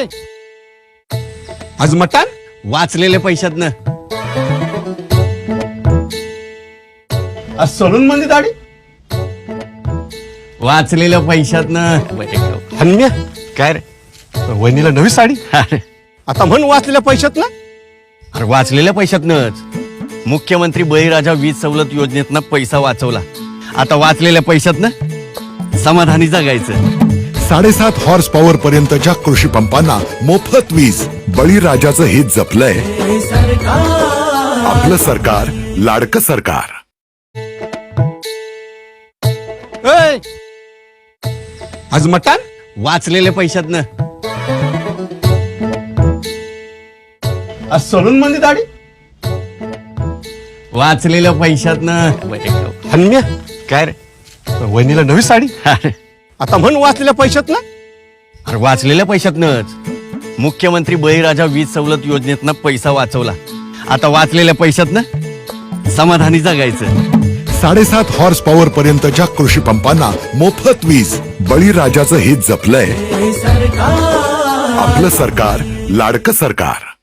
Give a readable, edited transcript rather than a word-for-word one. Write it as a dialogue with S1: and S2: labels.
S1: आज मटण
S2: वाचलेल्या पैशातनं.
S1: आज सलून मध्ये दाढी
S2: वाचलेल्या पैशातनं.
S1: हन्म्या
S2: काय रे?
S1: वहिनीला नवी साडी.
S2: अरे
S1: आता म्हण वाचलेल्या पैशात ना.
S2: अरे वाचलेल्या पैशातनच. मुख्यमंत्री बळीराजा वीज सवलत योजनेतनं पैसा वाचवला. आता वाचलेल्या पैशातनं समाधानी जगायचं.
S3: 7.5 हॉर्स पॉवर पर्यंतच्या कृषी पंपांना मोफत वीज. बळीराजाचं हित जपलंय आपलं सरकार, लाडकं सरकार.
S1: ए, आज मटण
S2: वाचलेल्या पैशातनं.
S1: आज सलून मध्ये दाढी.
S2: वाचलेल्या पैशातनं.
S1: हन्म्या
S2: काय रे?
S1: वहिनीला नवी साडी.
S2: अरे
S1: आता म्हण वाचलेल्या पैशात ना.
S2: अरे वाचलेल्या पैशातनच. मुख्यमंत्री बळीराजा वीज सवलत योजनेतनं पैसा वाचवला. आता वाचलेल्या पैशातनं समाधानी जगायचं.
S3: 7.5 हॉर्स पॉवर पर्यंतच्या कृषी पंपांना मोफत वीज. बळीराजाचं हित जपलंय आपलं सरकार, लाडकं सरकार.